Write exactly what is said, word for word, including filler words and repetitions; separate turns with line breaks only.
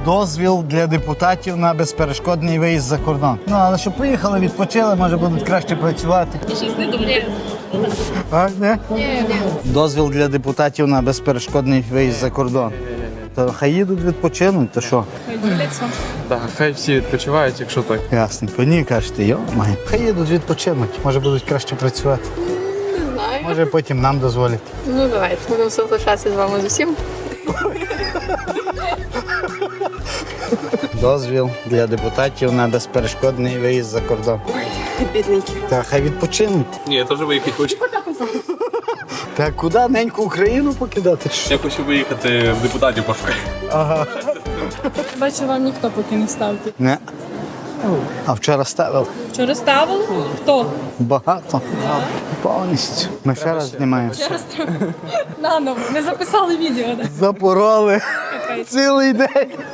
Дозвіл для депутатів на безперешкодний виїзд за кордон. Ну, але щоб приїхали, відпочили, може будуть краще працювати.
Я щось не думаю.
А, не?
Ні, ні.
Дозвіл для депутатів на безперешкодний виїзд за кордон. То хай їдуть відпочинуть, то що?
Хай діляться.
Так, хай всі відпочивають, якщо так.
Ясненько. Ні, кажете, йо, май. Хай їдуть відпочинуть, може будуть краще працювати.
Не знаю.
Може потім нам дозволять.
Ну давайте, будемо соглашатися з вами з усім.
Дозвіл для депутатів на безперешкодний виїзд за кордон.
Бідненькі.
Та хай відпочинуть.
Ні, я теж виїхати хочу.
Та куди неньку Україну покидати? чи що?
Я хочу виїхати в депутатів пошукати.
Ага.
Бачу, вам ніхто поки не ставить.
Не. А вчора ставив
Вчора ставив? Хто?
багато. Повністю. Ми ще раз знімаємо.
Через наново. Не записали відео. Да?
Запороли цілий день.